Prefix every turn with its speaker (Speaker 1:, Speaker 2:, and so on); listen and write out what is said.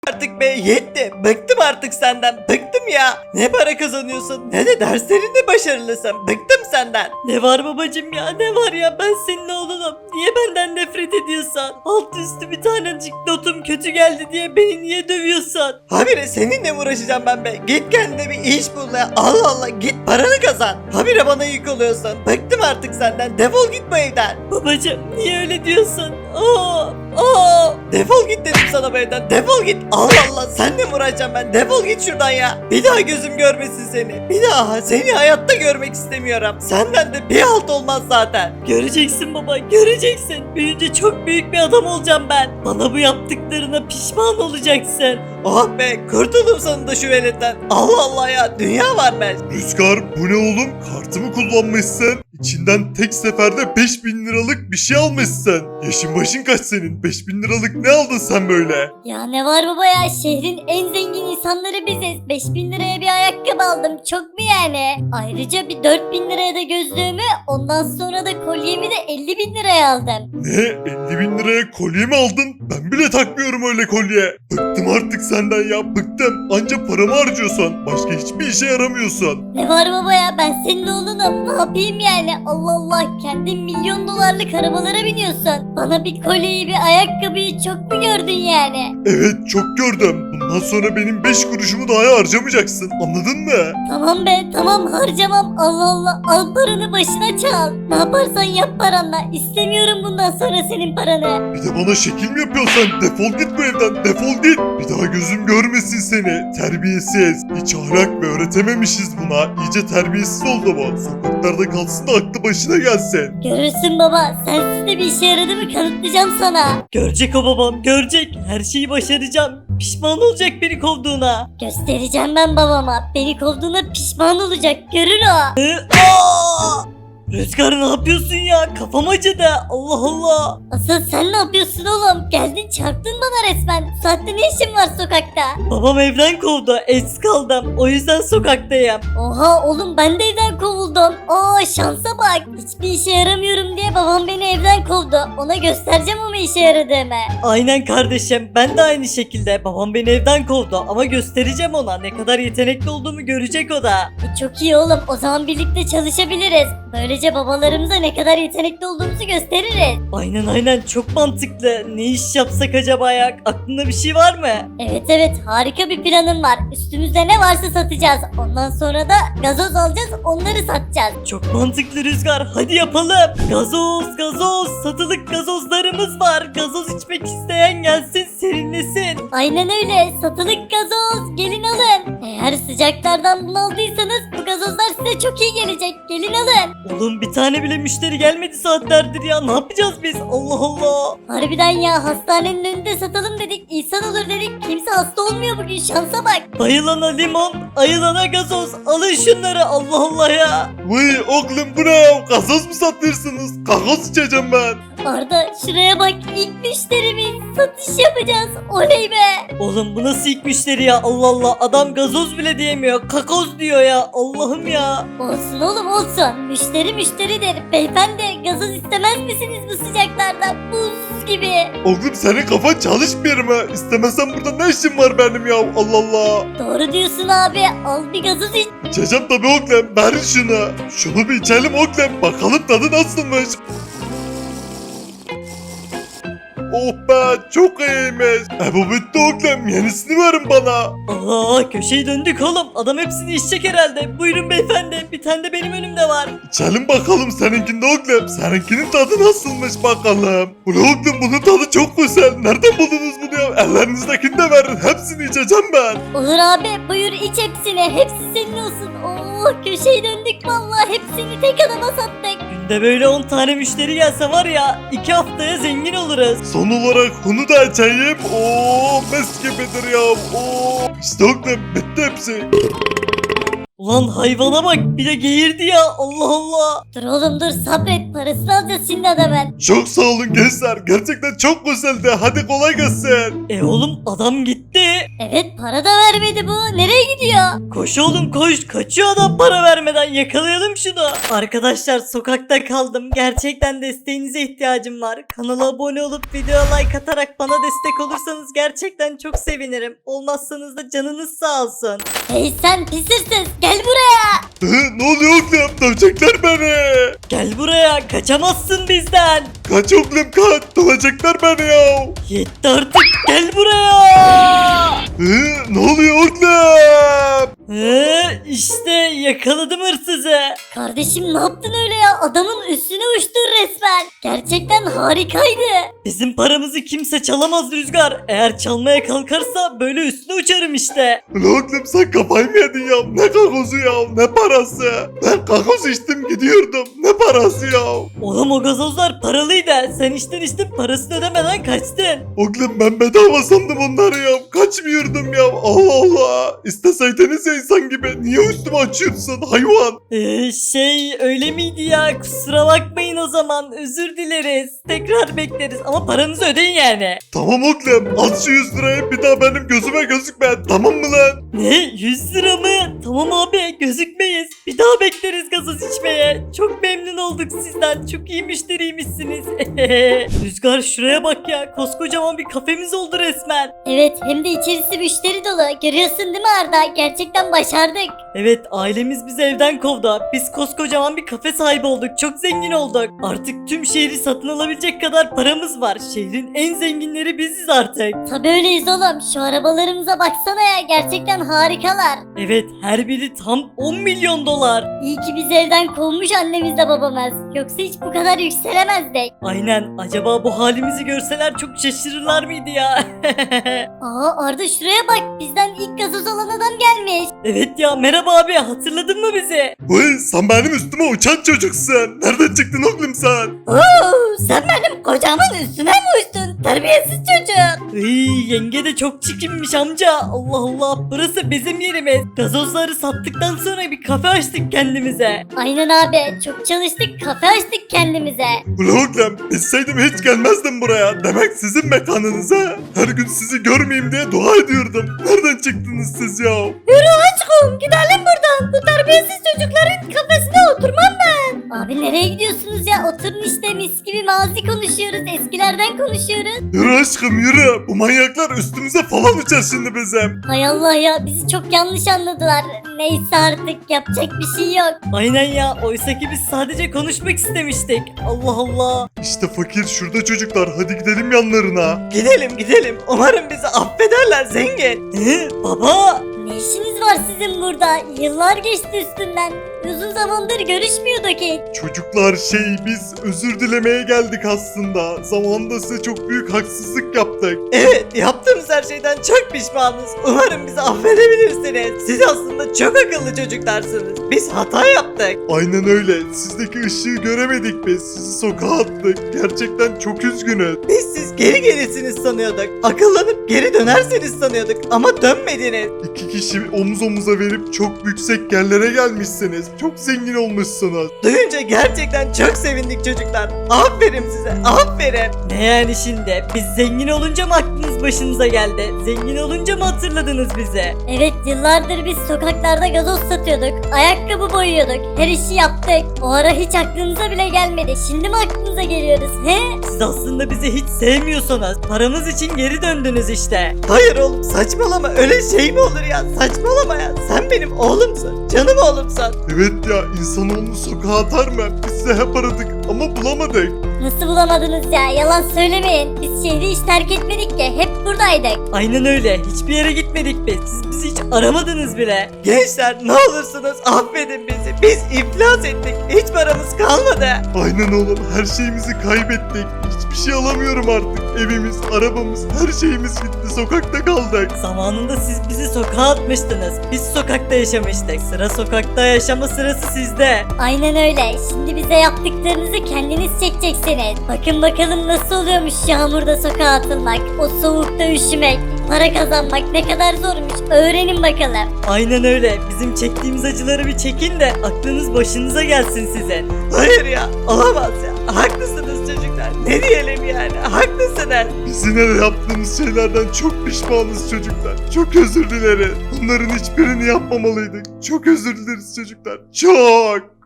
Speaker 1: Artık be yetti. Bıktım artık senden. Bıktım ya. Ne para kazanıyorsun ne de derslerinde başarılısın. Bıktım senden. Ne var babacım ya ne var ya ben senin oğlunum. Niye benden nefret ediyorsan? Alt üstü bir tanecik notum kötü geldi diye beni niye dövüyorsun? Habire seninle mi uğraşacağım ben be? Git kendine bir iş bul ya. Allah Allah git paranı kazan. Habire bana yük oluyorsun. Bıktım artık senden. Defol git bu evden. Babacım niye öyle diyorsun? Defol git dedim sana bu evden. Defol git. Allah Allah senle mi uğraşacağım ben? Defol git şuradan ya. Bir daha gözüm görmesin seni. Bir daha seni hayatta görmek istemiyorum. Senden de bir halt olmaz zaten. Göreceksin baba göreceksin. Büyüyünce çok büyük bir adam olacağım ben. Bana bu yaptıklarına pişman olacaksın. Oh be kurtuldum sonunda şu veletten. Allah Allah ya dünya var be.
Speaker 2: Rüzgar bu ne oğlum? Kartımı kullanmışsın. İçinden tek seferde 5000 liralık bir şey almışsın. Yaşın başın kaç senin? 5000 liralık ne aldın sen böyle?
Speaker 3: Ya ne var baba ya, şehrin en zengin insanları biziz. 5000 liraya bir ayakkabı aldım, çok mu yani? Ayrıca bir 4000 liraya da gözlüğümü, ondan sonra da kolyemi de 50.000 liraya aldım.
Speaker 2: Ne? 50.000 liraya kolye mi aldın? Ben bile takmıyorum öyle kolye. Bıktım artık senden ya, bıktım. Anca paramı harcıyorsun. Başka hiçbir işe yaramıyorsun.
Speaker 3: Ne var baba ya, ben senin oğlunum, ne yapayım yani? Allah Allah, kendin milyon dolarlık arabalara biniyorsun. Bana bir kolyeyi bir ayakkabıyı çok mu gördün yani?
Speaker 2: Evet çok gördüm. Bundan sonra benim 5 kuruşumu daha harcamayacaksın. Anladın mı?
Speaker 3: Tamam be tamam, harcamam. Allah Allah, al paranı başına çal. Ne yaparsan yap paranla. İstemiyorum bundan sonra senin paranı.
Speaker 2: Bir de bana şekil mi yapıyorsun? Defol git bu evden, defol git. Bir daha gözüm görmesin seni. Terbiyesiz. Hiç ahlak ve öğretememişiz buna. İyice terbiyesiz oldu bu. Sokaklarda kalsın da aklı başına gelsin.
Speaker 3: Görürsün baba, sensiz de bir işe yaradı mı kanıtlayacağım sana.
Speaker 1: Görecek o babam görecek. Her şeyi başaracağım. Pişman olacak beni kovduğuna.
Speaker 3: Göstereceğim ben babama. Beni kovduğuna pişman olacak, görür o.
Speaker 1: Rüzgar ne yapıyorsun ya? Kafam acıdı. Allah Allah.
Speaker 3: Asıl sen ne yapıyorsun oğlum? Geldin çarptın bana resmen. Bu saatte ne işin var sokakta?
Speaker 1: Babam evden kovdu. Evsiz kaldım. O yüzden sokaktayım.
Speaker 3: Oha oğlum, ben de evden kovuldum. Aa şansa bak. Hiçbir işe yaramıyorum diye babam beni evden kovdu. Ona göstereceğim ama işe yaradığımı.
Speaker 1: Aynen kardeşim. Ben de aynı şekilde. Babam beni evden kovdu. Ama göstereceğim ona. Ne kadar yetenekli olduğumu görecek o da.
Speaker 3: Çok iyi oğlum, o zaman birlikte çalışabiliriz. Böylece babalarımıza ne kadar yetenekli olduğumuzu gösteririz.
Speaker 1: Aynen çok mantıklı. Ne iş yapsak acaba ya? Aklında bir şey var mı?
Speaker 3: Evet harika bir planım var. Üstümüzde ne varsa satacağız. Ondan sonra da gazoz alacağız, onları satacağız.
Speaker 1: Çok mantıklı Rüzgar. Hadi yapalım. Gazoz. Satılık gazozlarımız var. Gazoz içmek isteyen gelsin serinlesin.
Speaker 3: Aynen öyle, satılık gazoz, gelin alın. Eğer sıcaklardan bunaldıysanız bu gazozlar size çok iyi gelecek, gelin alın.
Speaker 1: Oğlum bir tane bile müşteri gelmedi saatlerdir ya. Ne yapacağız biz? Allah Allah.
Speaker 3: Harbiden ya, hastanenin önünde satalım dedik, insan olur dedik, kimse hasta olmuyor bugün, şansa bak.
Speaker 1: Bayılana limon, ayılana gazoz. Alın şunları Allah Allah ya.
Speaker 2: Vay oğlum bu ne? Gazoz mu satıyorsunuz? Gazoz içeceğim ben.
Speaker 3: Arda şuraya bak, ilk müşterimiz, satış yapacağız, oley be.
Speaker 1: Oğlum bu nasıl ilk müşteri ya? Allah Allah. Adam gazoz bile diyemiyor. Kakoz diyor ya. Allah'ım ya.
Speaker 3: Olsun oğlum olsun, müşteri müşteridir. Beyefendi, gazoz istemez misiniz bu sıcaklarda, buz gibi.
Speaker 2: Oğlum senin kafan çalışmıyor mu? İstemezsen burada ne işin var benim ya? Allah Allah.
Speaker 3: Doğru diyorsun abi, al bir gazoz iç.
Speaker 2: İçeceğim tabii oğlum. Ver şunu. Şunu bir içelim oğlum. Bakalım tadı nasılmış. Oh be çok iyiymiş. Bu bitti oğlum. Yenisini verin bana.
Speaker 1: Allah köşeyi döndük oğlum. Adam hepsini içecek herhalde. Buyurun beyefendi. Bir tane de benim önümde var.
Speaker 2: İçelim bakalım seninkinde oğlum. Seninkinin tadı nasılmış bakalım. Bu oğlum bunun tadı çok güzel. Nereden buldunuz bunu ya? Ellerinizdekini de verin. Hepsini içeceğim ben.
Speaker 3: Olur abi, buyur iç hepsini, hepsi senin olsun. Oh, köşeyi döndük vallahi, hepsini tek adama sattık.
Speaker 1: Günde böyle 10 tane müşteri gelse var ya 2 haftaya zengin oluruz.
Speaker 2: Son olarak bunu da içeyim. Oo mis gibidir ya. Oo. İşte oğlum bitti hepsi.
Speaker 1: Ulan hayvana bak bir de geğirdi ya Allah Allah.
Speaker 3: Dur oğlum dur sabret parasını alacağız şimdi adamın.
Speaker 2: Çok sağ olun gençler. Gerçekten çok güzeldi. Hadi kolay gelsin.
Speaker 1: Oğlum adam gitti.
Speaker 3: Evet para da vermedi bu nereye gidiyor?
Speaker 1: Koş oğlum koş. Kaçıyor adam para vermeden. Yakalayalım şunu. Arkadaşlar sokakta kaldım. Gerçekten desteğinize ihtiyacım var. Kanala abone olup videoya like atarak bana destek olursanız gerçekten çok sevinirim. Olmazsanız da canınız sağ olsun.
Speaker 3: Hey sen pis hırsız gel buraya.
Speaker 2: Ne oluyor oğlum? Dövecekler beni.
Speaker 1: Gel buraya. Kaçamazsın bizden.
Speaker 2: Kaç oğlum kaç. Dövecekler beni ya.
Speaker 1: Yetti artık. Gel buraya.
Speaker 2: Ne oluyor oğlum?
Speaker 1: İşte yakaladım hırsızı.
Speaker 3: Kardeşim ne yaptın öyle ya adamın üstüne uçtun resmen. Gerçekten harikaydı.
Speaker 1: Bizim paramızı kimse çalamaz Rüzgar. Eğer çalmaya kalkarsa böyle üstüne uçarım işte.
Speaker 2: Oğlum sen kafayı mı yedin ya? Ne kakosu ya? Ne parası? Ben kakos içtim gidiyordum. Ne parası ya?
Speaker 1: Oğlum o gazozlar paralıydı. Sen içtin parasını ödemeden kaçtın.
Speaker 2: Oğlum ben bedava sandım onları ya. Kaçmıyordum ya. Allah Allah. İsteseydiniz ya insan gibi. Niye üstüme açıyorsun hayvan?
Speaker 1: Öyle miydi ya? Kusura bakmayın o zaman. Özür dileriz. Tekrar bekleriz ama paranızı ödeyin yani.
Speaker 2: Tamam oğlum. At şu 100 lirayı bir daha benim gözüme gözükme. Tamam mı lan?
Speaker 1: Ne? 100 lira mı? Tamam abi gözükmeyiz. Bir daha bekleriz gazoz içmeye. Çok memnun olduk sizden. Çok iyi müşteriymişsiniz. Rüzgar şuraya bak ya. Koskocaman bir kafemiz oldu resmen.
Speaker 3: Evet hem de içerisi müşteri dolu. Görüyorsun değil mi Arda? Gerçekten başardık.
Speaker 1: Evet ailemiz bizi evden kovdu. Biz koskocaman bir kafe sahibi olduk. Çok zengin olduk. Artık tüm şehri satın alabilecek kadar paramız var. Şehrin en zenginleri biziz artık.
Speaker 3: Tabii öyleyiz oğlum. Şu arabalarımıza baksana ya. Gerçekten harikalar.
Speaker 1: Evet her biri tam 10 milyon dolar.
Speaker 3: İyi ki bizi evden kovmuş annemizle babamız. Yoksa hiç bu kadar yükselemezdik.
Speaker 1: Aynen acaba bu halimizi görseler çok şaşırırlar mıydı ya?
Speaker 3: Aa Arda şuraya bak. Bizden ilk gazoz olan adam gelmiş.
Speaker 1: Evet ya merhaba abi hatırladın mı bizi?
Speaker 2: Vay sen benim üstüme uçan çocuksun. Nereden çıktın oğlum sen?
Speaker 3: Oo, sen benim kocamın üstüne mi uçtun? Terbiyesiz çocuk.
Speaker 1: Yenge de çok çirkinmiş amca. Allah Allah burası bizim yerimiz. Gazozları sattıktan sonra bir kafe açtık kendimize.
Speaker 3: Aynen abi. Çok çalıştık. Kafe açtık kendimize.
Speaker 2: Ulan oğlum bilseydim hiç gelmezdim buraya. Demek sizin mekanınıza. Her gün sizi görmeyeyim diye dua ediyordum. Nereden çıktınız siz ya?
Speaker 3: Yürü aşkım gidelim buradan. Bu terbiyesiz çocukların kafesine oturmam ben. Abi nereye gidiyorsunuz ya? Oturun işte mis gibi mazi konuşuyoruz. Eskilerden konuşuyoruz.
Speaker 2: Yürü aşkım yürü. Bu manyaklar üstümüze falan uçar şimdi bizim.
Speaker 3: Hay Allah ya bizi çok yanlış anladılar. Neyse artık yapacak bir şey yok.
Speaker 1: Aynen ya oysa ki biz sadece konuşmak istemiştik. Allah Allah.
Speaker 2: İşte fakir şurada çocuklar. Hadi gidelim yanlarına.
Speaker 1: Gidelim. Umarım bizi affederler zengin. Baba.
Speaker 3: Ne işiniz var sizin burada? Yıllar geçti üstünden. Uzun zamandır görüşmüyorduk hiç.
Speaker 2: Çocuklar biz özür dilemeye geldik aslında. Zamanında size çok büyük haksızlık yaptık.
Speaker 1: Evet yaptığımız her şeyden çok pişmanız. Umarım bizi affedebilirsiniz. Siz aslında çok akıllı çocuklarsınız. Biz hata yaptık.
Speaker 2: Aynen öyle. Sizdeki ışığı göremedik biz. Sizi sokağa attık. Gerçekten çok üzgünüz.
Speaker 1: Biz siz geri gelirsiniz sanıyorduk. Akıllanıp geri dönerseniz sanıyorduk ama dönmediniz.
Speaker 2: İki kişi omuz omuza verip çok yüksek yerlere gelmişsiniz. Çok zengin olmuşsunuz.
Speaker 1: Duyunca gerçekten çok sevindik çocuklar. Aferin size aferin. Ne yani şimdi? Biz zengin olunca mı aklınız başınıza geldi? Zengin olunca mı hatırladınız bizi?
Speaker 3: Evet yıllardır biz sokaklarda gazoz satıyorduk. Ayakkabı boyuyorduk. Her işi yaptık. O ara hiç aklınıza bile gelmedi. Şimdi mi aklınıza geliyoruz he?
Speaker 1: Siz aslında bizi hiç sevmiyorsunuz. Paramız için geri döndünüz işte. Hayır oğlum saçmalama öyle şey mi olur ya? Saçmalama ya. Sen benim oğlumsun. Canım oğlumsun.
Speaker 2: Evet ya insanoğlunu sokağa atar mı? Biz size hep aradık ama bulamadık.
Speaker 3: Nasıl bulamadınız ya? Yalan söylemeyin. Biz şehri hiç terk etmedik ki. Hep buradaydık.
Speaker 1: Aynen öyle. Hiçbir yere gitmedik biz. Siz bizi hiç aramadınız bile. Gençler ne olursunuz affedin bizi. Biz iflas ettik. Hiç paramız kalmadı.
Speaker 2: Aynen oğlum her şeyimizi kaybettik. Hiçbir şey alamıyorum artık. Evimiz, arabamız, her şeyimiz gitti. Sokakta kaldık.
Speaker 1: Zamanında siz bizi sokağa atmıştınız. Biz sokakta yaşamıştık. Sıra sokakta yaşama sırası sizde.
Speaker 3: Aynen öyle. Şimdi bize yaptıklarınızı kendiniz çekeceksiniz. Bakın bakalım nasıl oluyormuş yağmurda sokağa atılmak. O soğukta üşümek. para kazanmak ne kadar zormuş öğrenin bakalım.
Speaker 1: Aynen öyle. Bizim çektiğimiz acıları bir çekin de aklınız başınıza gelsin sizin. Hayır ya, olamaz ya. Haklısınız çocuklar. Ne diyelim yani? Haklısınız.
Speaker 2: Biz yine de yaptığımız şeylerden çok pişmanız çocuklar. Çok özür dileriz. Bunların hiçbirini yapmamalıydık. Çok özür dileriz çocuklar. Çok.